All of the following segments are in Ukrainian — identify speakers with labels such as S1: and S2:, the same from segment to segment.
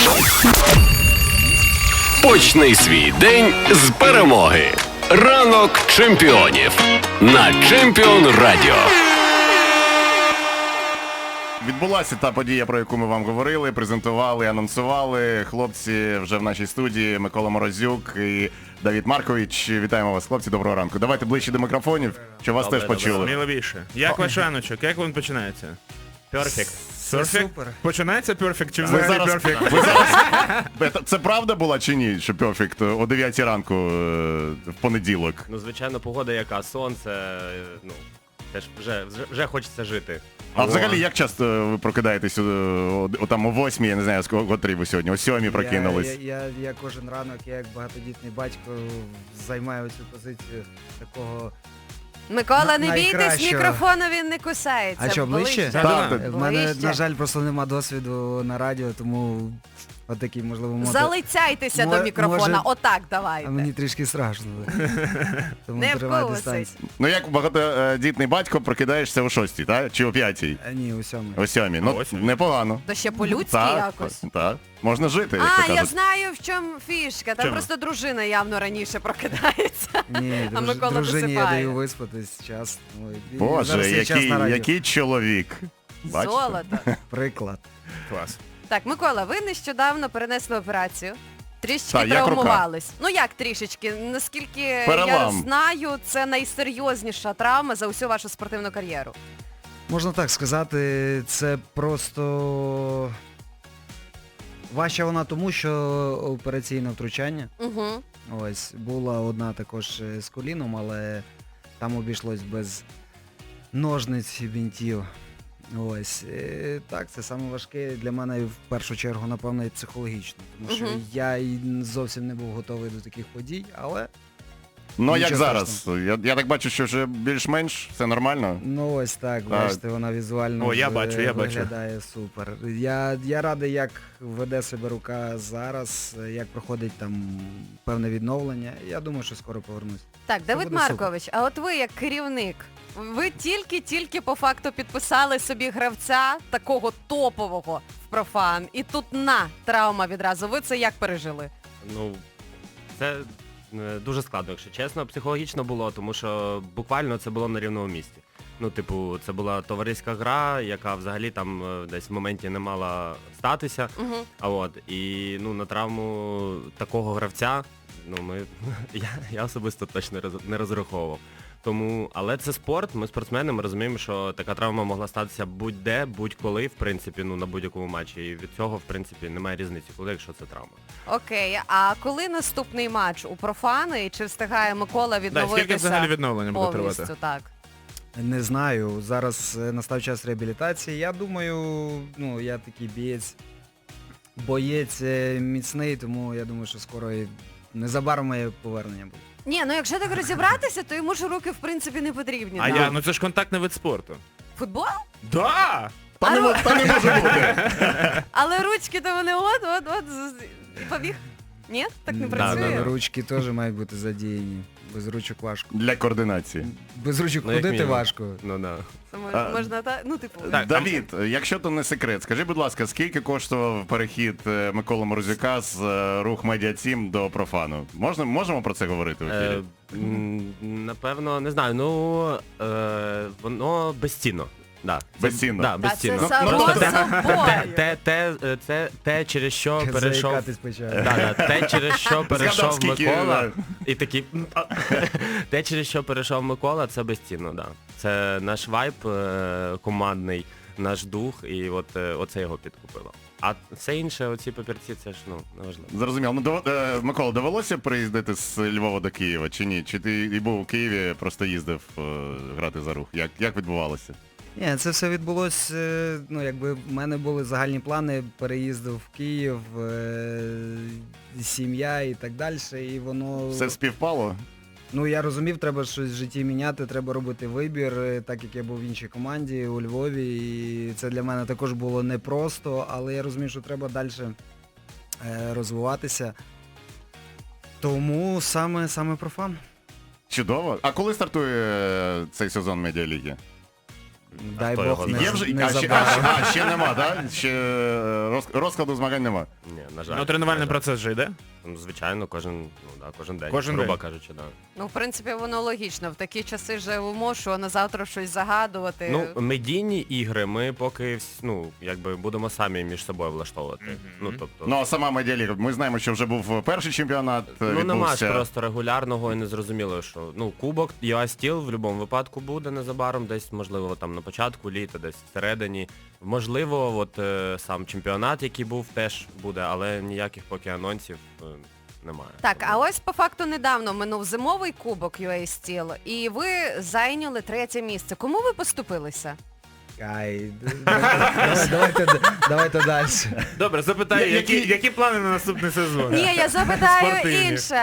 S1: Почни свій день з перемоги. Ранок чемпіонів на Чемпіон Радіо.
S2: Відбулася та подія, про яку ми вам говорили, презентували, анонсували. Хлопці вже в нашій студії, Микола Морозюк і Давид Маркович. Вітаємо вас, хлопці, доброго ранку. Давайте ближче до мікрофонів, щоб вас теж почули.
S3: Сміливіше. Як ваш раночок? Як він починається?
S4: Перфект.
S3: Перфект?
S4: Супер.
S3: Починається перфект чи
S2: Ви
S3: взагалі
S2: зараз,
S3: перфект?
S2: ви зараз... Це правда була чи ні, що перфект о 9 ранку в понеділок?
S4: Ну, звичайно, погода яка, сонце, ну, теж вже хочеться жити.
S2: А взагалі, як часто ви прокидаєтесь там о 8, я не знаю, з котрій ви сьогодні, о 7 прокинулись?
S5: Я кожен ранок, я як багатодітний батько, займаю цю позицію такого...
S6: Микола, не бійтесь,
S5: найкращого.
S6: мікрофону він не кусається.
S5: А що, ближче?
S2: Так.
S5: В мене,
S6: Ближче.
S5: на жаль, просто нема досвіду на радіо, тому отакий, можливо,
S6: Залицяйтеся до
S5: Може-
S6: мікрофона, отак давайте.
S5: А мені трішки страшно. Тому
S6: Не
S5: тримаю
S6: вкусить.
S5: дистанцію.
S2: Ну як багатодітний батько прокидаєшся о 6, так? Чи о 5?
S5: Ні, у сьомій.
S2: О 7. Ну,
S3: Восьмій.
S2: непогано.
S6: То ще по-людськи
S2: Так,
S6: якось.
S2: так. Можна жити, як то
S6: А, я
S2: кажуть.
S6: знаю, в чому фішка. Там
S3: Чому?
S6: просто дружина явно раніше прокидається.
S5: Ні,
S6: А Микола
S5: дружині я
S6: досипає.
S5: даю виспатись час. Ой, і
S2: Боже,
S5: зараз є час на радіо.
S2: який чоловік. Бачите?
S6: Золото.
S5: Приклад.
S3: Клас.
S6: Так, Микола, ви нещодавно перенесли операцію. Трішечки
S2: Так, як рука?
S6: травмувались. Ну як трішечки? Наскільки я
S2: Перелам.
S6: знаю, це найсерйозніша травма за усю вашу спортивну кар'єру.
S5: Можна так сказати, це просто... Важча вона тому, що операційне втручання.
S6: Угу.
S5: Ось, була одна також з коліном, але там обійшлось без ножниць і бінтів. Ось. Так, це саме важке для мене в першу чергу, напевно, і психологічно. Тому що
S6: Мгм.
S5: я і зовсім не був готовий до таких подій, але
S2: Ну як
S5: Нічого
S2: зараз? Я так бачу, що вже більш-менш все нормально.
S5: ну ось так, бачите, вона візуально
S3: О, я
S5: вже
S3: бачу, я бачу.
S5: виглядає супер. Я радий, як веде себе рука зараз, як проходить там певне відновлення. Я думаю, що скоро повернусь.
S6: Так, Давид
S5: буде супер.
S6: Маркович, а от ви як керівник, ви тільки по факту підписали собі гравця такого топового в профан, і тут травма відразу. Ви це як пережили?
S4: Ну, це дуже складно, якщо чесно. Психологічно було, тому що буквально це було на рівному місці. Ну, типу, це була товариська гра, яка взагалі там десь в моменті не мала статися.
S6: Угу.
S4: А от, і ну, на травму такого гравця, ну, я особисто точно не розраховував. Тому, але це спорт, ми спортсмени, ми розуміємо, що така травма могла статися будь-де, будь-коли, в принципі, ну, на будь-якому матчі. І від цього, в принципі, немає різниці, коли, якщо це травма.
S6: Окей, а коли наступний матч у профани, і чи встигає Микола
S3: Да,
S6: відновитися
S3: скільки взагалі відновлення буде
S6: повністю?
S3: тривати?
S6: Так.
S5: Не знаю, зараз настав час реабілітації. Я думаю, ну, я такий боєць міцний, тому я думаю, що скоро і незабаром моє повернення буде.
S6: Ні, ну якщо так розібратися, то йому ж руки в принципі не потрібні.
S3: А
S6: да?
S3: ну це ж контактний вид спорту.
S6: Футбол?
S3: Да!
S2: Та не може бути.
S6: Але ручки то вони от, і побіг. Ні? Так не
S4: Да,
S6: працює?
S4: да.
S5: Ручки теж мають бути задіяні. Без ручок важко.
S2: Для координації.
S5: Без ручок
S4: Ну, як
S5: ходити
S4: мінімум.
S5: важко.
S4: Ну, да.
S6: Це
S2: А,
S6: можна так, ну типу.
S3: Так.
S2: Давід, якщо то не секрет, скажи, будь ласка, скільки коштував перехід Миколи Морозюка з Рух Медіа Тім до профану? Можемо про це говорити в ефірі?
S4: Напевно, не знаю, ну, воно безцінно. Да.
S2: Безцінно?
S4: Да,
S6: Та це
S4: безцінно.
S6: само
S4: Просто
S6: собою.
S4: те, через що перейшов...
S5: Заїкатись почав.
S4: Те, через що
S2: Згадав,
S4: перейшов
S2: скільки,
S4: Микола, і такий... Те, через що перейшов Микола, це безцінно, да. Це наш вайб командний, наш дух, і от оце його підкупило. А все інше, оці папірці, це ж, ну, неважливо.
S2: Зрозуміло. Ну, Микола, довелося приїздити з Львова до Києва чи ні? Чи ти і був у Києві, просто їздив грати за Рух? Як відбувалося?
S5: Ні, це все відбулось, ну якби в мене були загальні плани переїзду в Київ, сім'я і так далі, і воно...
S2: Все співпало?
S5: Ну я розумів, треба щось в житті міняти, треба робити вибір, так як я був в іншій команді у Львові, і це для мене також було непросто, але я розумів, що треба далі розвиватися. Тому саме профан.
S2: Чудово. А коли стартує цей сезон Медіаліги?
S5: дай
S4: хто
S5: Бог
S4: його
S5: не,
S2: Є вже,
S5: не
S2: а ще,
S5: забрав.
S2: ще нема, так? Ще розкладу змагань нема.
S4: Ні, на жаль.
S3: Ну, тренувальний
S4: на жаль.
S3: процес же йде?
S4: Ну, звичайно, кожен день,
S3: Кожен
S4: грубо
S3: день.
S4: кажучи, да.
S6: Ну, в принципі, воно логічно. В такі часи живемо, що на завтра щось загадувати.
S4: Ну, медійні ігри ми поки якби будемо самі між собою влаштовувати. Ну, тобто,
S2: Ну, а сама медіаліга, ми знаємо, що вже був перший чемпіонат,
S4: нема ж
S2: відбувся.
S4: просто регулярного і незрозуміло, що кубок UA Steel в будь-якому випадку буде незабаром, десь, можливо, там на початку літа, десь всередині. Можливо, сам чемпіонат, який був, теж буде, але ніяких поки анонсів немає.
S6: Так, а ось по факту недавно минув зимовий кубок UA Steel, і ви зайняли 3-є місце. Кому ви поступилися?
S5: Ай, давайте далі.
S3: Добре, запитаю,
S2: Які-
S3: які плани на наступний сезон?
S6: Ні, я запитаю
S3: Спортивні.
S6: інше.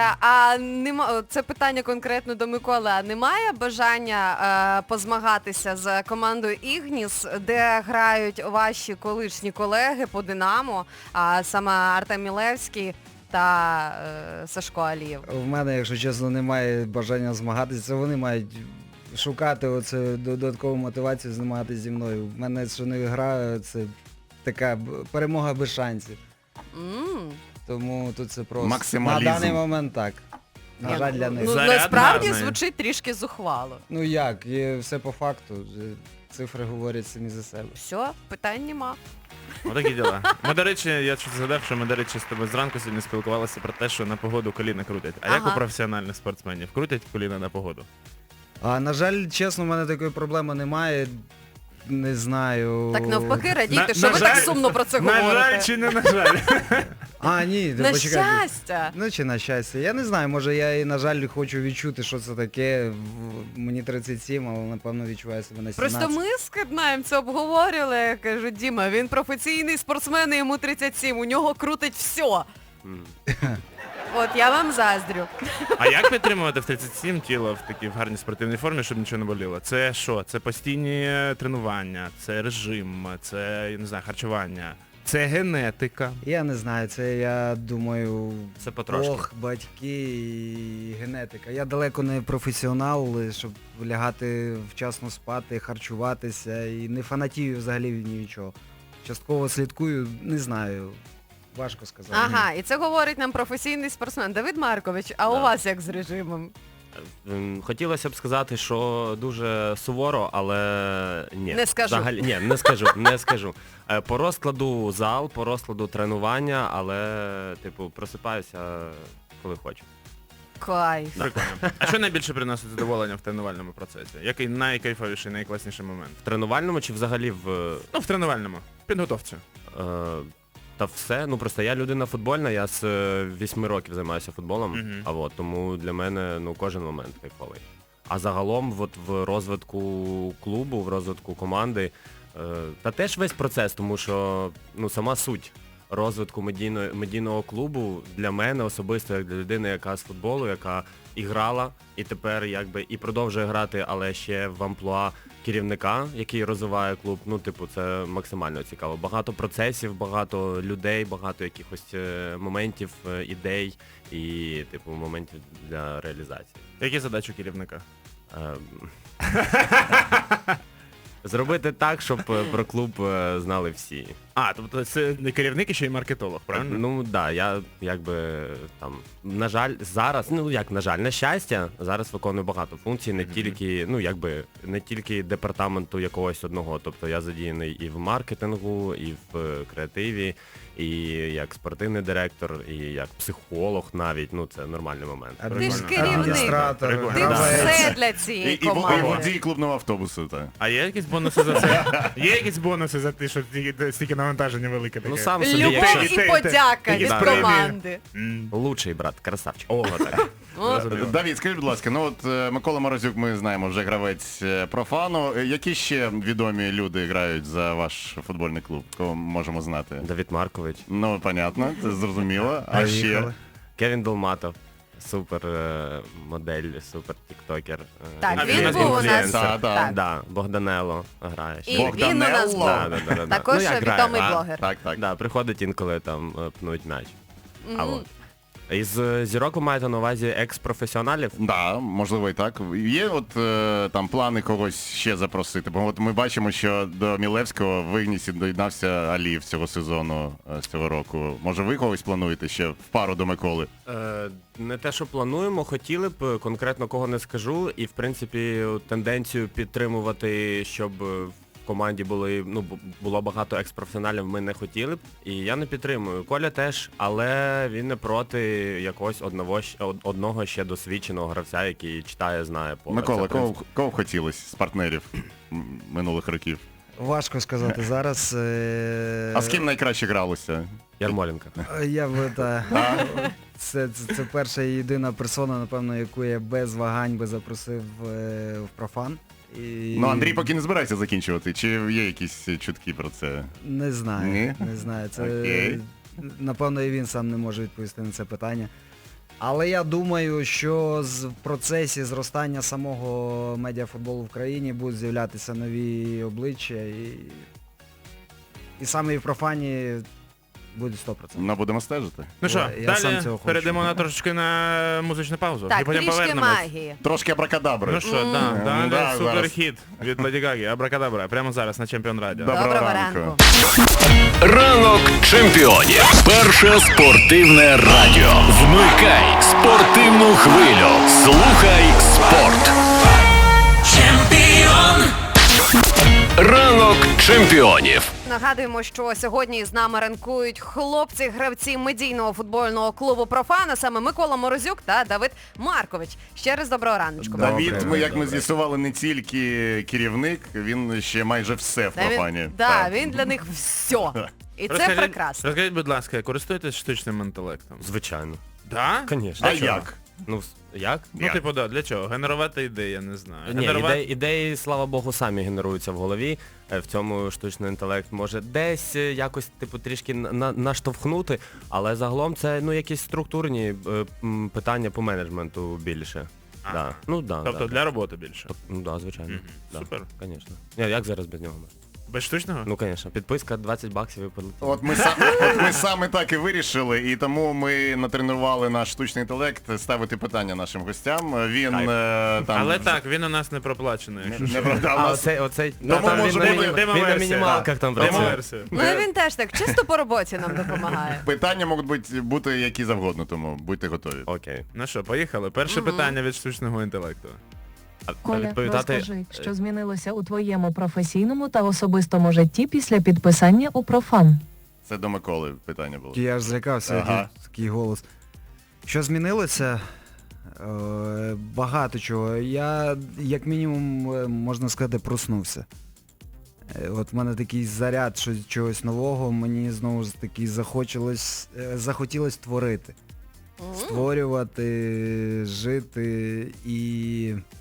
S6: Це питання конкретно до Миколи. А немає бажання позмагатися з командою Ігніс, де грають ваші колишні колеги по Динамо, а саме Артем Мілевський та Сашко Алієв?
S5: В мене, якщо чесно, немає бажання змагатися. Це вони мають шукати оце додаткову мотивацію змагатися зі мною. В мене, що не гра, це така перемога без шансів.
S6: М.
S5: Тому тут це просто
S2: Максималізм.
S5: на даний момент так. На
S6: Ні,
S5: жаль, для них.
S6: Ну,
S3: Заряд
S6: насправді
S3: гарний.
S6: звучить трішки зухвало.
S5: Ну як, є все по факту. Цифри говорять самі за себе.
S6: Все, питань нема.
S3: Отакі діла. Ми, до речі, я щось згадав, що ми, до речі, з тобою зранку сьогодні спілкувалися про те, що на погоду коліна крутять. А як
S6: Ага.
S3: у професіональних спортсменів? Крутять коліна на погоду?
S5: А на жаль, чесно, в мене такої проблеми немає. Не знаю.
S6: Так навпаки, радійте,
S3: На-
S6: що
S3: на
S6: ви так
S3: жаль-
S6: сумно про це
S3: На жаль
S6: говорите.
S3: чи не на жаль?
S5: А, ні,
S6: На
S5: почекайте.
S6: щастя.
S5: Ну чи на щастя. Я не знаю, може я і, на жаль, хочу відчути, що це таке. Мені 37, але напевно відчуваю себе на 17.
S6: Просто ми з Киднаєм це обговорювали. Я кажу, Діма, він професійний спортсмен, і йому 37, у нього крутить все.
S4: М.
S6: От я вам заздрю.
S3: А як підтримувати в 37 тіло в такій в гарній спортивній формі, щоб нічого не боліло? Це що? Це постійні тренування, це режим, це, я не знаю, харчування, це генетика.
S5: Я не знаю, це я думаю,
S4: Це потрошки.
S5: Бог, батьки і генетика. Я далеко не професіонал, щоб лягати вчасно спати, харчуватися і не фанатію взагалі ні від чого. Частково слідкую, не знаю. Важко сказати.
S6: Ага, і це говорить нам професійний спортсмен. Давид Маркович, а у
S4: Да.
S6: вас як з режимом?
S4: Хотілося б сказати, що дуже суворо, але ні.
S6: Не скажу.
S4: Взагалі, ні, не скажу. По розкладу зал, по розкладу тренування, але, просипаюся, коли хочу.
S6: Кайф.
S3: Прикольно. А що найбільше приносить задоволення в тренувальному процесі? Який найкайфовіший, найкласніший момент?
S4: В тренувальному чи взагалі в...
S3: Ну, в тренувальному. Підготовці.
S4: Та все, просто я людина футбольна, я з 8 років займаюся футболом,
S3: Мгм.
S4: тому для мене кожен момент кайфовий. А загалом в розвитку клубу, в розвитку команди, та теж весь процес, тому що сама суть розвитку медійного клубу для мене особисто, як для людини, яка з футболу, яка і грала, і тепер і продовжує грати, але ще в амплуа керівника, який розвиває клуб, це максимально цікаво. Багато процесів, багато людей, багато якихось моментів, ідей і, моментів для реалізації.
S3: Які задачі у керівника?
S4: Ем, Зробити так, щоб про клуб знали всі.
S3: А, тобто це не керівник і ще й маркетолог, правильно?
S4: Ну да, я на жаль, зараз, на щастя, зараз виконую багато функцій, не тільки департаменту якогось одного. Тобто я задіяний і в маркетингу, і в креативі, і як спортивний директор, і як психолог навіть, це нормальний момент.
S6: Ти ж
S5: Адміністратор,
S6: керівник.
S5: адміністратор,
S3: Прикольно.
S6: Ти
S3: Да.
S6: все для
S2: І
S6: цієї команди.
S2: водій клубного автобусу, так.
S3: А є якісь бонуси за це? Є якісь бонуси за те, що стільки навантаження велике таке?
S4: Сам собі,
S6: Любов
S4: якщо...
S6: і
S3: Те-
S6: подяка
S3: те-
S6: від
S3: да.
S6: команди.
S4: Лучший брат, красавчик.
S3: О, так.
S6: О,
S2: Давід, скажіть, будь ласка, Микола Морозюк, ми знаємо, вже гравець профану. Які ще відомі люди грають за ваш футбольний клуб? Кого можемо знати?
S4: Давид Маркович,
S2: Ну, понятно, це зрозуміло. А ще?
S5: Поїхали.
S4: Кевін Долматов, супер модель, супер тіктокер.
S6: Так,
S3: він
S6: він був у нас.
S2: інфлюенсер,
S6: Так.
S4: Да, Богданело грає.
S6: І він у нас був.
S2: Богданелло?
S6: Також
S4: як
S6: відомий
S4: грає.
S6: блогер.
S2: Так, так.
S4: Да, приходить інколи там пнуть м'яч. А
S6: Мгм.
S4: от. Із зірок ви маєте на увазі екс-професіоналів?
S2: Да, можливо і так. Є от там плани когось ще запросити? Бо от ми бачимо, що до Мілевського в Ігнісі доєднався Алієв цього сезону, з цього року. Може ви когось плануєте ще в пару до Миколи?
S4: Не те, що плануємо, хотіли б, конкретно кого не скажу. І, в принципі, тенденцію підтримувати, щоб в команді було багато екс-професіоналів, ми не хотіли б. І я не підтримую. Коля теж, але він не проти якогось одного ще досвідченого гравця, який читає, знає поле.
S2: Микола,
S4: Це, в принципі,
S2: кого б хотілося з партнерів минулих років?
S5: Важко сказати зараз.
S2: А з ким найкраще гралося?
S4: Ярмоленко.
S5: Я б це перша і єдина персона, напевно, яку я без вагань би запросив в профан. І...
S2: Ну, Андрій поки не збирається закінчувати, чи є якісь чутки про це?
S5: Не знаю.
S2: Ні?
S5: Не знаю. Це,
S2: Окей.
S5: напевно, і він сам не може відповісти на це питання. Але я думаю, що в процесі зростання самого медіафутболу в країні будуть з'являтися нові обличчя і саме і в профані буде 100%.
S2: Ну, будемо стежити.
S3: Ну що,
S5: Я сам
S3: далі
S5: цього хочу.
S3: перейдемо на трошечки на музичну паузу. І
S6: Так,
S3: потім
S6: трішки
S3: повернемось.
S6: магії.
S2: Трошки абракадабри.
S3: Ну що, далі
S2: Да,
S3: суперхіт від Леді Гаги, Абракадабра, прямо зараз на Чемпіон Радіо.
S2: Доброго
S6: Доброго
S2: ранку.
S6: ранку.
S1: Ранок чемпіонів. Перше спортивне радіо. Вмикай спортивну хвилю. Слухай спорт. Ранок чемпіонів.
S6: Нагадуємо, що сьогодні з нами ранкують хлопці-гравці медійного футбольного клубу «Профан», а саме Микола Морозюк та Давид Маркович. Ще раз доброго раночку.
S2: Давід,
S5: Добре,
S2: як ми
S5: добре.
S2: з'ясували, не тільки керівник, він ще майже все в
S6: Та
S2: профані.
S6: він,
S2: Так.
S6: він для них все. І це
S3: Розкажіть-
S6: прекрасно.
S3: Розкажіть, будь ласка, користуєтесь штучним інтелектом?
S4: Звичайно.
S3: Да?
S4: Звісно.
S2: А як?
S4: Ну, як?
S3: Ну,
S2: Як?
S3: типу, да, для чого? Генерувати ідеї, я не знаю.
S4: Ні, ідеї, слава Богу, самі генеруються в голові. В цьому штучний інтелект може десь якось, типу, трішки наштовхнути, але загалом це, якісь структурні питання по менеджменту більше.
S3: Ага.
S4: Да. Ну, да,
S3: Тобто
S4: да.
S3: для роботи більше.
S4: Ну, да, звичайно.
S3: Мгм.
S4: Да.
S3: Супер.
S4: Звісно. Як зараз без нього можна?
S3: Без штучного?
S4: Ну, звісно. Підписка 20 баксів і полетіло.
S2: От ми саме так і вирішили, і тому ми натренували наш штучний інтелект ставити питання нашим гостям. Він там...
S3: Але так, він у нас не проплачений, якщо що.
S2: Не продав
S4: А
S2: нас.
S4: оцей
S2: Тому
S4: там
S2: може
S4: він,
S2: бути
S4: він на
S3: демоверсія.
S4: мінімалках там працює.
S3: Демоверсія.
S6: Ну і він теж так, чисто по роботі нам допомагає.
S2: Питання можуть бути які завгодно, тому будьте готові.
S4: Окей.
S3: Ну що, поїхали. Перше питання від штучного інтелекту.
S4: А
S7: Коля,
S4: відповідати...
S7: розкажи, що змінилося у твоєму професійному та особистому житті після підписання у Профан?
S2: Це до Миколи питання було.
S5: Я ж злякався,
S2: Ага.
S5: такий голос. Що змінилося? Багато чого. Я, як мінімум, можна сказати, проснувся. От в мене такий заряд чогось нового, мені знову ж таки захотілось творити. Створювати, жити і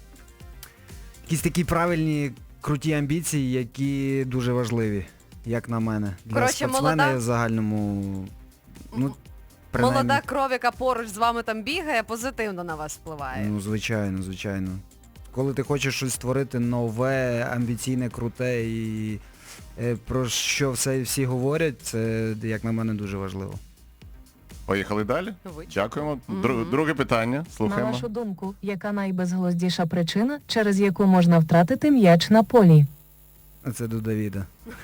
S5: якісь такі правильні, круті амбіції, які дуже важливі, як на мене. Для
S6: Коротше,
S5: спортсмена
S6: молода-
S5: в загальному, принаймні,
S6: Молода кров, яка поруч з вами там бігає, позитивно на вас впливає.
S5: Ну, звичайно, звичайно. Коли ти хочеш щось створити нове, амбіційне, круте і про що всі говорять, це, як на мене, дуже важливо.
S2: Поїхали далі? Дякуємо. Друге питання.
S7: На
S2: Слухаємо.
S7: вашу думку, яка найбезглуздіша причина, через яку можна втратити м'яч на полі?
S5: Це до Давіда.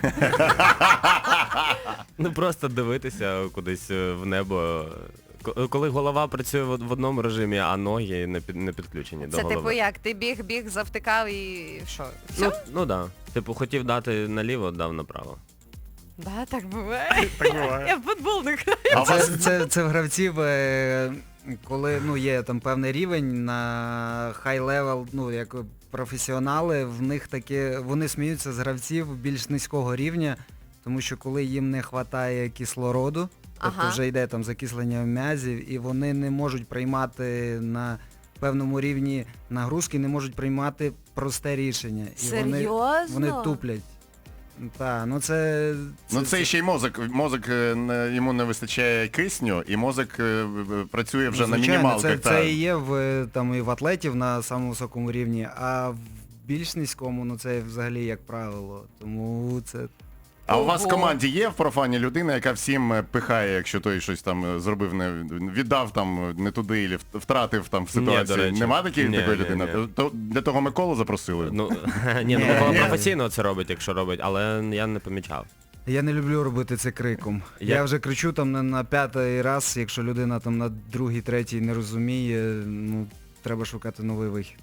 S4: Ну просто дивитися кудись в небо. Коли голова працює в одному режимі, а ноги не підключені до
S6: Це
S4: голови.
S6: типу як? Ти біг, завтикав і що? Все?
S4: Ну да. Типу хотів дати наліво, дав направо.
S6: Да, так буває. Я в футбол не граю.
S2: А у вас
S5: Це в гравців, коли є там певний рівень на хай-левел, як професіонали, в них таке, вони сміються з гравців більш низького рівня, тому що коли їм не вистачає кислороду, тобто
S6: Ага.
S5: вже йде там закислення м'язів, і вони не можуть приймати на певному рівні нагрузки, не можуть приймати просте рішення. І
S6: Серйозно?
S5: вони туплять. Так, це...
S2: Ну це ще й мозок. Мозок йому не вистачає кисню, і мозок працює вже на
S5: Звичайно,
S2: мінімалках.
S5: це і є і в атлетів на самому високому рівні, а в більш низькому, це взагалі як правило. Тому це
S2: А у вас в
S6: Ого.
S2: команді є в профані людина, яка всім пихає, якщо той щось там зробив, віддав там не туди, і втратив там в
S4: Ні,
S2: ситуації?
S4: до речі.
S2: Нема такої
S4: Ні,
S2: людини?
S4: ні.
S2: То для того Миколу запросили?
S4: Ну, ні, ну Микола професійно це робить, якщо робить, але я не помічав.
S5: Я не люблю робити це криком. Я вже кричу там на 5-й раз, якщо людина там на 2-й, 3-й не розуміє, ну, треба шукати новий вихід.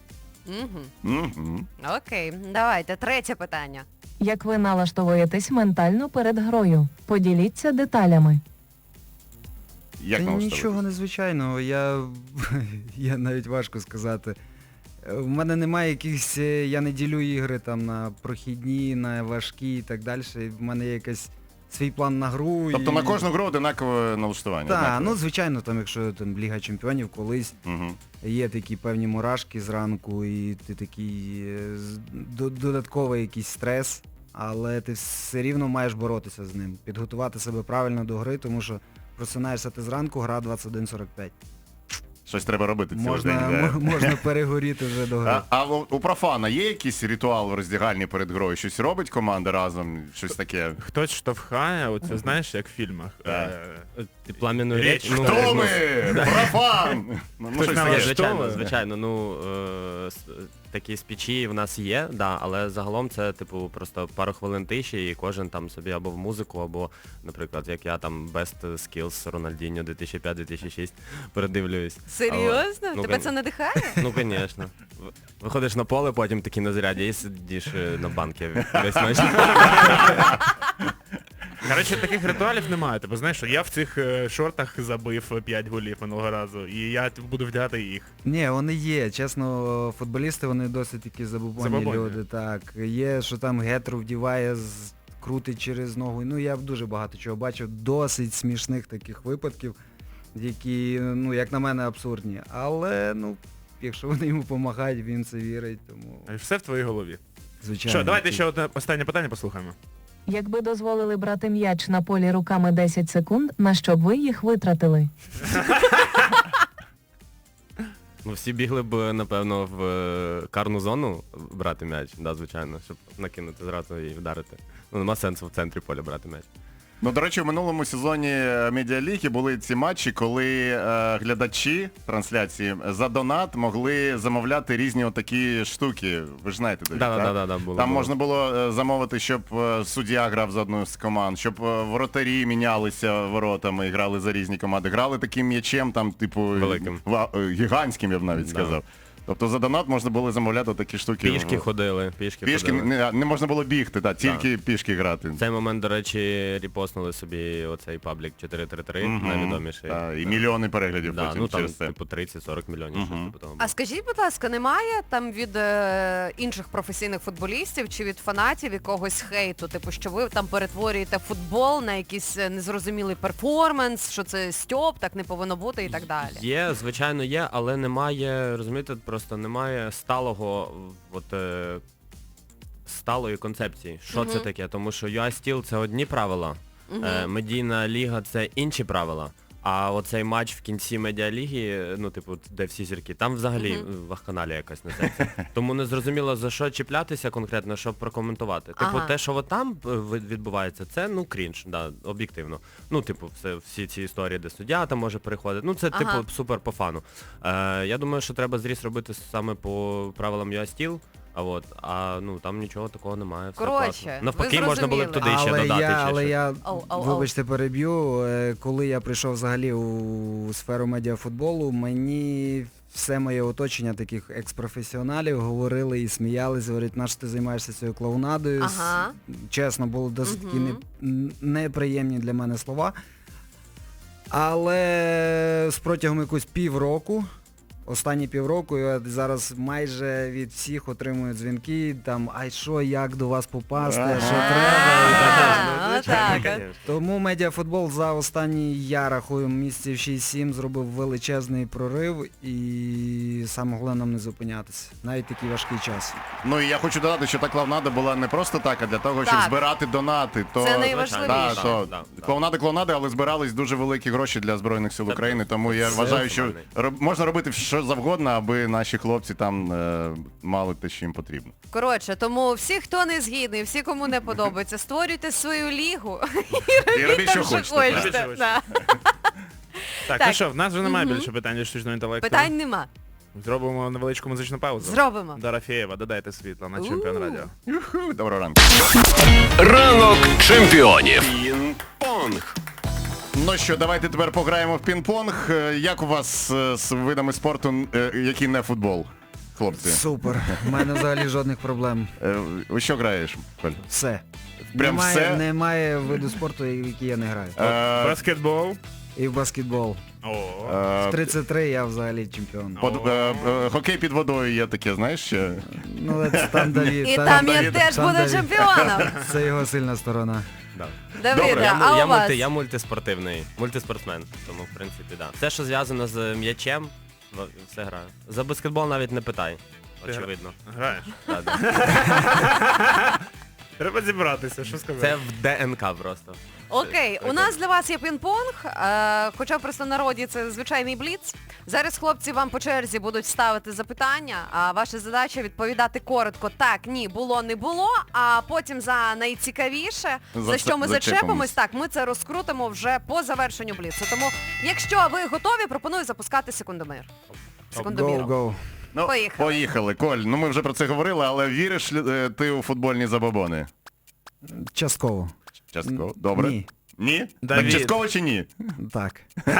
S2: Мгм.
S6: Окей, давайте, третє питання.
S7: Як ви налаштовуєтесь ментально перед грою? Поділіться деталями.
S2: Як
S5: Та
S2: налаштовуватись?
S5: нічого незвичайного, я навіть важко сказати. У мене немає якихось, я не ділю ігри там на прохідні, на важкі і так далі. В мене є якийсь свій план на гру.
S2: Тобто
S5: і...
S2: на кожну гру одинакове налаштування?
S5: Так,
S2: однакове?
S5: ну звичайно, там якщо там Ліга Чемпіонів колись
S2: Мгм.
S5: є такі певні мурашки зранку і ти такий додатковий якийсь стрес, але ти все рівно маєш боротися з ним, підготувати себе правильно до гри, тому що просинаєшся ти зранку, гра 21:45.
S2: Щось треба робити цілий день.
S5: Можна,
S2: да.
S5: можна перегоріти вже до гри.
S2: А у профана є якийсь ритуал в роздягальні перед грою? Щось робить команда разом? Щось таке?
S3: Хтось штовхає, оце знаєш, як в фільмах.
S2: Так.
S4: Плам'яну
S3: Річ.
S4: річ. Ну,
S2: Хто
S4: ну,
S2: ми? Профан! Ну,
S3: Хтось
S2: щось
S3: нам
S2: таке.
S3: що
S4: звичайно,
S3: ви?
S4: звичайно. Ну, такі спічі в нас є, да, але загалом це, типу, просто пару хвилин тиші і кожен там собі або в музику, або, наприклад, як я там Best Skills Рональдіньо 2005-2006 передивлююсь.
S6: Серйозно?
S4: Ну,
S6: Тебе це надихає?
S4: Ну, звісно. Виходиш на поле, потім такий на заряді і сидиш на банки весь матч.
S3: Коротше, таких ритуалів немає. Тобто, знаєш, що я в цих шортах забив 5 голів минулого разу, і я буду вдягати їх.
S5: Ні, вони є. Чесно, футболісти, вони досить такі забубонні
S3: Забубонні.
S5: люди. Так. Є, що там гетру вдіває, крутить через ногу. Ну, я дуже багато чого бачив. Досить смішних таких випадків, які, ну, як на мене, абсурдні. Але, ну, якщо вони йому допомагають, він це вірить, тому,
S3: Все в твоїй голові.
S5: звичайно.
S3: Що, давайте ще одне останнє питання послухаємо.
S7: Якби дозволили брати м'яч на полі руками 10 секунд, на що б ви їх витратили?
S4: Ну, всі бігли б, напевно, в карну зону брати м'яч, да, звичайно, щоб накинути зразу і вдарити. Ну, нема сенсу в центрі поля брати м'яч.
S2: Ну, до речі, в минулому сезоні Медіаліги були ці матчі, коли глядачі трансляції за донат могли замовляти різні отакі штуки. Ви ж знаєте, Давід, так?
S4: Да, було.
S2: Там
S4: було.
S2: можна було замовити, щоб суддя грав за одну з команд, щоб воротарі мінялися воротами і грали за різні команди. Грали таким м'ячем, там, типу,
S4: Великим.
S2: гігантським, я б навіть сказав. Тобто за донат можна було замовляти такі штуки.
S4: Пішки ходили,
S2: Пішки,
S4: ходили.
S2: не можна було бігти, так, тільки пішки грати.
S4: В цей момент, до речі, репостнули собі оцей паблік 433, найвідоміший.
S2: І мільйони переглядів
S4: Да,
S2: потім
S4: ну там
S2: через це.
S4: типу 30-40 мільйонів, щось типу того.
S6: А скажіть, будь ласка, немає там від інших професійних футболістів чи від фанатів якогось хейту, типу, що ви там перетворюєте футбол на якийсь незрозумілий перформанс, що це стьоп, так не повинно бути і так далі?
S4: Є, звичайно, є, але немає, розумієте, просто немає сталого, сталої концепції. Що це таке? Тому що UA Steel це одні правила, медійна ліга це інші правила. А оцей матч в кінці медіаліги, ну, типу, де всі зірки, там взагалі вахканалія якась несеться. Тому не зрозуміло, за що чіплятися конкретно, щоб прокоментувати. Типу, те, що от там відбувається, це, ну, крінж, да, об'єктивно. Ну, типу, всі ці історії, де суддя там може переходити. Ну, це, типу, супер по фану. Я думаю, що треба зріз робити саме по правилам UA Steel. Ну там нічого такого немає. Все
S6: Коротше,
S4: класно.
S6: ви
S4: Навпаки, можна було б туди ще
S5: Але
S4: додати.
S5: я,
S6: Ау.
S5: вибачте, переб'ю, коли я прийшов взагалі у сферу медіафутболу, мені все моє оточення таких екс-професіоналів говорили і сміялись, говорять, на що ти займаєшся цією клоунадою.
S6: Ага.
S5: Чесно, були досить такі неприємні для мене слова. Але протягом якось півроку, останні півроку, я зараз майже від всіх отримую дзвінки, там, ай що, як до вас попасти, що треба. і так далі.
S6: Так.
S5: Тому медіафутбол за останні, я рахую, місяців 6-7 зробив величезний прорив і саме головне нам не зупинятися. Навіть такий важкий час.
S2: Ну і я хочу додати, що та клоунада була не просто так, а для того, щоб
S6: Так.
S2: збирати донати. То,
S6: Це найважливіше.
S2: Да, то
S4: Да.
S2: клоунади, але збирались дуже великі гроші для Збройних сил України, тому я
S4: Це
S2: вважаю, що
S4: нормально.
S2: можна робити що що завгодно, аби наші хлопці там мали те, що їм потрібно.
S6: Коротше, тому всі, хто не згідний, всі, кому не подобається, створюйте свою лігу
S2: І робіть, що
S6: там, що
S2: хочете. так.
S6: хочете.
S3: так.
S6: Да.
S3: Так,
S6: Так.
S3: ну що, в нас вже немає більше питань від штучного інтелекту.
S6: Питань нема.
S3: Зробимо невеличку музичну паузу.
S6: Зробимо.
S3: Дорофєєва, додайте світла на Чемпіон Радіо.
S2: Юху, доброго ранку.
S1: Ранок чемпіонів.
S2: Пінг-понг. Ну що, давайте тепер пограємо в пінг-понг. Як у вас з видами спорту, який не футбол, хлопці?
S5: Супер. У мене взагалі жодних проблем.
S2: У що граєш, Коль?
S5: Все.
S2: Прям все?
S5: Немає виду спорту, в який я не граю.
S3: Баскетбол.
S5: І в баскетбол.
S3: О.
S5: В 33 я взагалі чемпіон.
S2: Хокей під водою є таке, знаєш ще?
S5: Ну, це там Давід.
S6: І там я теж
S5: там
S6: буду
S5: Давід.
S6: чемпіоном.
S5: Це його сильна сторона.
S4: Да.
S6: Давиде, а
S4: Я,
S6: у вас?
S4: я мультиспортивний, мультиспортсмен, тому в принципі, да. Все, що зв'язано з м'ячем, все граю. За баскетбол навіть не питай, очевидно.
S3: Граєш?
S4: Да, да.
S3: Треба зібратися, що сказати.
S4: Це в ДНК просто.
S6: Окей, у нас для вас є пінг-понг, хоча в простонароді це звичайний бліц. Зараз хлопці вам по черзі будуть ставити запитання, а ваша задача відповідати коротко так, ні, було, не було, а потім за найцікавіше, за що ми зачепимось, так, ми це розкрутимо вже по завершенню бліцу. Тому, якщо ви готові, пропоную запускати секундомір. Секундоміром.
S5: Go.
S2: Ну, поїхали. Коль, ну ми вже про це говорили, але віриш ти у футбольні забобони?
S5: Частково.
S2: Частково. Добре.
S5: Ні.
S2: Ні?
S3: Давід.
S2: Так частково чи ні?
S5: Так.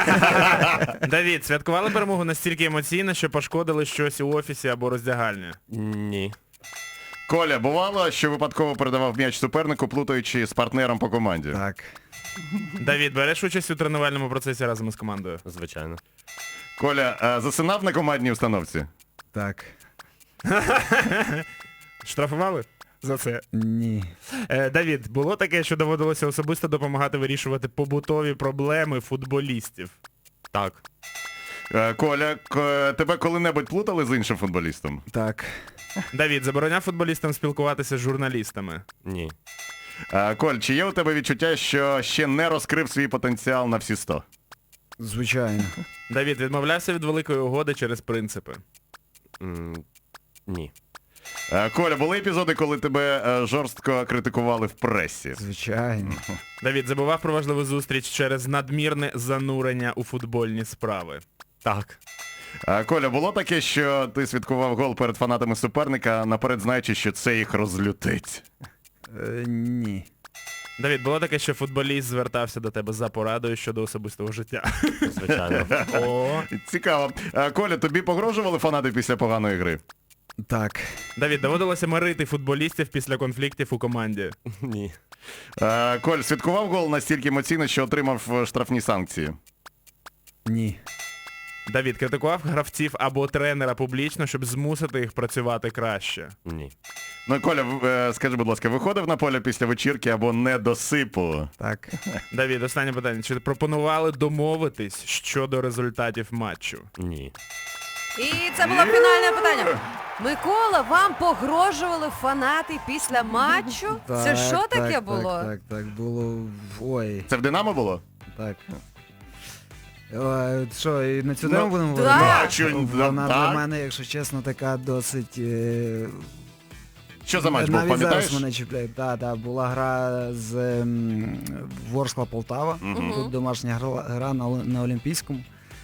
S3: Давід, святкували перемогу настільки емоційно, що пошкодили щось у офісі або роздягальні?
S4: Ні.
S2: Коля, бувало, що випадково передавав м'яч супернику, плутаючи з партнером по команді?
S5: Так.
S3: Давід, береш участь у тренувальному процесі разом із командою?
S4: Звичайно.
S2: Коля, засинав на командній установці?
S5: Так.
S3: Штрафували? За це.
S5: Ні.
S3: Давід, було таке, що доводилося особисто допомагати вирішувати побутові проблеми футболістів?
S4: Так.
S2: Коля, тебе коли-небудь плутали з іншим футболістом?
S5: Так.
S3: Давід, забороняв футболістам спілкуватися з журналістами?
S4: Ні.
S2: Коль, чи є у тебе відчуття, що ще не розкрив свій потенціал на всі 100?
S5: Звичайно.
S3: Давід, відмовлявся від великої угоди через принципи?
S4: Ні.
S2: Коля, були епізоди, коли тебе жорстко критикували в пресі?
S5: Звичайно.
S3: Давід, забував про важливу зустріч через надмірне занурення у футбольні справи?
S4: Так.
S2: Коля, було таке, що ти святкував гол перед фанатами суперника, наперед знаючи, що це їх розлютить?
S5: Ні.
S3: Давід, було таке, що футболіст звертався до тебе за порадою щодо особистого життя?
S4: Звичайно.
S3: О,
S2: Цікаво. Коля, тобі погрожували фанати після поганої гри?
S5: Так.
S3: Давід, доводилося мирити футболістів після конфліктів у команді?
S4: Ні.
S2: Коль, святкував гол настільки емоційно, що отримав штрафні санкції?
S5: Ні.
S3: Давід, критикував гравців або тренера публічно, щоб змусити їх працювати краще?
S4: Ні.
S2: Ну, Коля, скажи, будь ласка, виходив на поле після вечірки або недосипу?
S5: Так.
S3: Давід, останнє питання. Чи пропонували домовитись щодо результатів матчу?
S4: Ні.
S6: І це було фінальне питання. Микола, вам погрожували фанати після матчу? Це
S5: Так,
S6: що таке
S5: так,
S6: було?
S5: Так, було. Ой,
S2: Це в Динамо було?
S5: так. Що, і на цю тему будемо
S6: да.
S5: говорити?
S2: Чу-
S5: Вона
S2: так.
S5: для мене, якщо чесно, така досить...
S2: Що за матч був,
S5: навіть
S2: пам'ятаєш?
S5: зараз мене чіпляє. Так, була гра з Ворскла Полтава. Тут домашня гра на Олімпійському.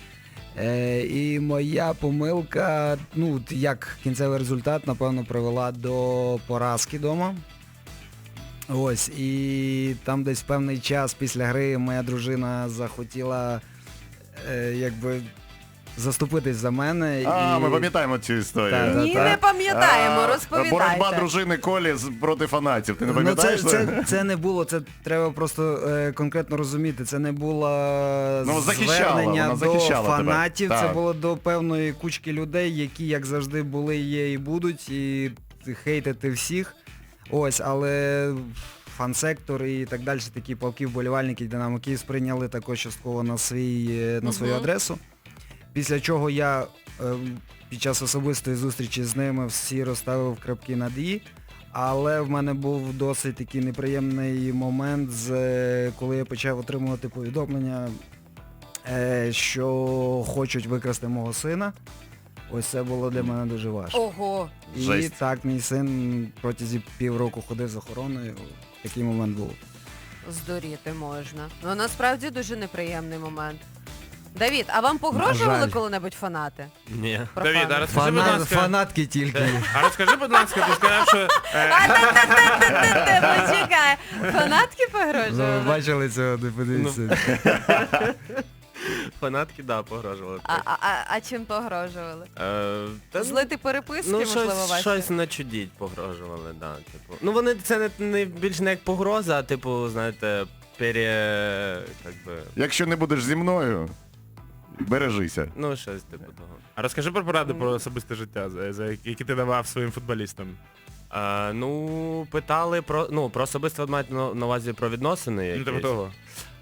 S5: І моя помилка, ну, як кінцевий результат, напевно, привела до поразки вдома. Ось, і там десь певний час після гри моя дружина захотіла, якби, заступитись за мене.
S2: Ми пам'ятаємо цю історію.
S5: Так,
S6: Ні, не пам'ятаємо, розповідайте.
S2: Боротьба дружини Колі проти фанатів. Ти не пам'ятаєш?
S5: Це не було, це треба просто конкретно розуміти. Це не було звернення
S2: вона
S5: до
S2: захищала тебе.
S5: фанатів, це
S2: Так.
S5: було до певної кучки людей, які, як завжди, були, є і будуть, і хейтити всіх. Ось, але фан-сектор і так далі, такі палки вболівальники Динамо Київ сприйняли також частково на свою адресу. Після чого я під час особистої зустрічі з ними всі розставив крапки над «і», але в мене був досить такий неприємний момент, коли я почав отримувати повідомлення, що хочуть викрасти мого сина. Ось це було для мене дуже важко.
S6: Ого.
S5: І
S2: Жесть.
S5: так, мій син протягом півроку ходив з охороною. Такий момент був.
S6: Здуріти можна. Ну насправді дуже неприємний момент. Давід, а вам погрожували
S5: жаль.
S6: коли-небудь фанати?
S4: Ні.
S6: Про
S3: Давід, а
S6: фанів?
S3: розкажи, будь ласка.
S5: Фанатки тільки.
S3: А розкажи, будь ласка, ти сказав, що...
S6: Почекай. Фанатки
S5: Ну, ви
S6: погрожували?
S5: бачили цього, не подивіться.
S4: Фанатки, да, погрожували.
S6: А чим погрожували?
S4: Та,
S6: Злити переписки,
S4: ну,
S6: можливо, ваші?
S4: щось начудіть погрожували, да. Типу. Ну вони це не більш не як погроза, а типу, знаєте, как би,
S2: Якщо не будеш зі мною, бережися.
S4: ну щось типу того.
S3: А розкажи про поради про особисте життя, які ти давав своїм футболістам.
S4: Ну, питали про особисто мають на увазі про відносини
S3: Ну,
S4: якісь.
S3: типу того.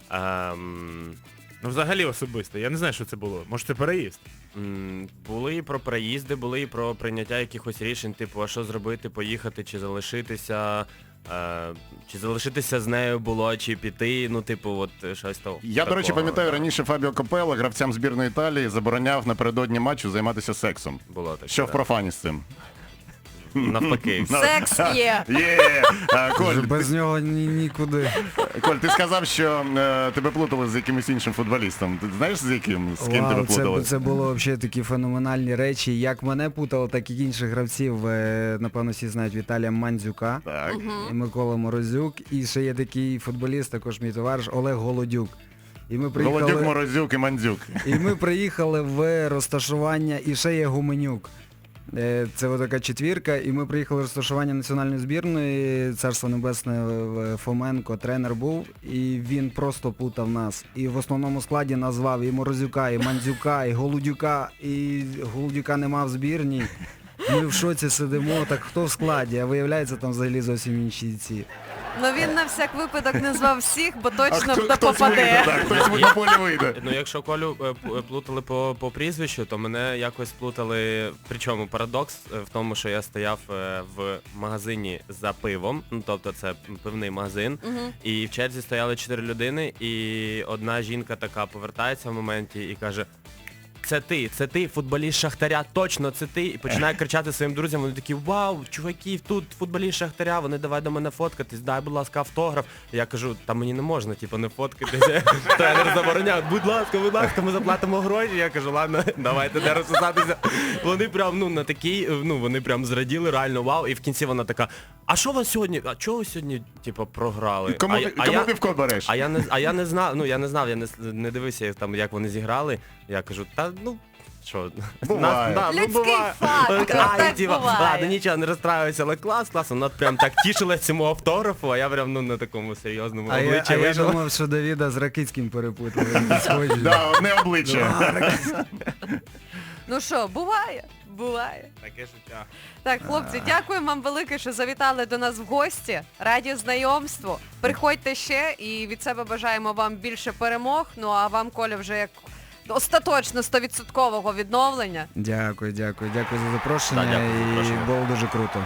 S4: Ем,
S3: Ну, взагалі особисто. Я не знаю, що це було. Може, це переїзд?
S4: Були і про переїзди, були і про прийняття якихось рішень, типу, а що зробити, поїхати чи залишитися. Чи залишитися з нею було, чи піти, ну, типу, от щось того.
S2: Я, до речі, пам'ятаю, раніше Фабіо Капелло, гравцям збірної Італії, забороняв напередодні матчу займатися сексом.
S4: Було таке.
S2: Що в
S4: да.
S2: профані з цим?
S4: Навпаки.
S6: Секс є.
S2: Є! Коль,
S5: Без нього нікуди.
S2: Коль, ти сказав, що тебе плутали з якимось іншим футболістом. Ти знаєш, з яким? З ким тебе
S5: Вау,
S2: плутали?
S5: це було взагалі такі феноменальні речі. Як мене путало, так і інших гравців. Напевно, всі знають Віталія Мандзюка,
S2: Так.
S5: і Микола Морозюк. І ще є такий футболіст, також мій товариш Олег Голодюк. І ми
S2: Голодюк,
S5: приїхали,
S2: Морозюк і Мандзюк.
S5: в розташування, і ще є Гуменюк. Це така четвірка, і ми приїхали в розташування національної збірної, Царство Небесне, Фоменко, тренер був, і він просто плутав нас. І в основному складі назвав і Морозюка, і Мандзюка, і Голудюка нема в збірній. Ми в шоці сидимо, так хто в складі, а виявляється там взагалі зовсім інші ці.
S6: Ну він на всяк випадок назвав всіх, бо точно
S2: хтось
S6: попаде.
S2: вийде, так, хтось на полі вийде.
S4: Ну, якщо Колю плутали по прізвищу, то мене якось плутали, причому парадокс в тому, що я стояв в магазині за пивом, ну, тобто це пивний магазин, і в черзі стояли 4 людини, і одна жінка така повертається в моменті і каже: це ти, футболіст Шахтаря, точно, це ти. І починає кричати своїм друзям, вони такі: вау, чуваки, тут футболіст Шахтаря, вони давай до мене фоткатись, дай, будь ласка, автограф. І я кажу, та мені не можна, типу, не фоткатися. Тренер забороняв, будь ласка, ми заплатимо гроші. Я кажу, ладно, давайте де розписатися. Вони прям, ну, на такий, ну, вони прям зраділи, реально вау. І в кінці вона така: а що вас сьогодні, а чого ви сьогодні, типу, програли?
S2: Кому півко береш?
S4: А я не знав, я не дивився там, як вони зіграли. Я кажу, та ну, що,
S2: Буває.
S6: Людський фактор, так буває.
S4: Ладно, нічого, не розстраювався, але клас, вона прям так тішилась цьому автографу, а я прям, ну, на такому серйозному
S5: А
S4: обличчі
S5: я
S4: вийшов.
S5: думав, що Давіда з Ракицьким перепутали. Вони схожі.
S2: Да, одне обличчя.
S6: Ну що, буває? Буває.
S3: Таке життя.
S6: Так, хлопці, дякуємо вам велике, що завітали до нас в гості. Раді знайомству. Приходьте ще і від себе бажаємо вам більше перемог. Ну а вам, Коля, вже як остаточно 100% відновлення.
S5: Дякую за запрошення,
S4: Да, дякую за
S5: і
S4: запрошення.
S5: було дуже круто.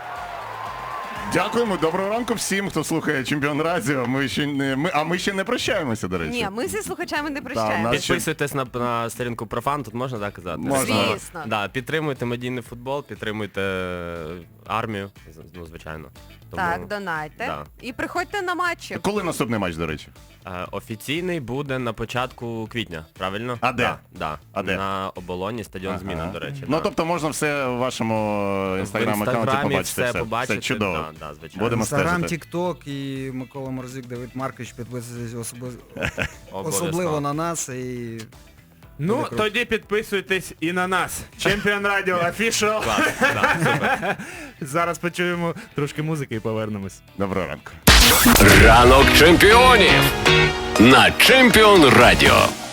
S2: Дякуємо, доброго ранку всім, хто слухає Чемпіон Радіо. Ми ще не прощаємося, до речі.
S6: Ні, ми зі слухачами не
S2: у
S6: прощаємося.
S2: нас ще-
S4: Підписуйтесь на сторінку Профан, тут можна так казати?
S2: Можна.
S6: Звісно.
S4: Да, підтримуйте медійний футбол, підтримуйте армію, ну, звичайно. Тому,
S6: Так, донайте.
S4: Да.
S6: І приходьте на матчі.
S2: Коли наступний матч, до речі?
S4: Офіційний буде на початку квітня, правильно?
S2: А де?
S4: Да.
S2: А де?
S4: На Оболоні, стадіон
S2: Ага.
S4: Зміна, до речі.
S2: Ну,
S4: да.
S2: тобто можна все в вашому інстаграм-аккаунті
S4: Інстаграмі
S2: побачити.
S4: все побачити,
S2: Все чудово.
S4: да, звичайно.
S2: Будемо
S5: Інстаграм,
S2: стежити.
S5: Тік-Ток і Микола Морозюк, Давид Маркович, підписуйтесь
S4: Обов'язково.
S5: особливо на нас. І
S3: Ну,
S5: Дуже круто.
S3: тоді підписуйтесь і на нас. Чемпіон Радіо Official.
S4: Клас, да, супер.
S3: Зараз почуємо трошки музики і повернемось.
S2: Доброго ранку.
S1: Ранок чемпіонів на Чемпіон Радіо.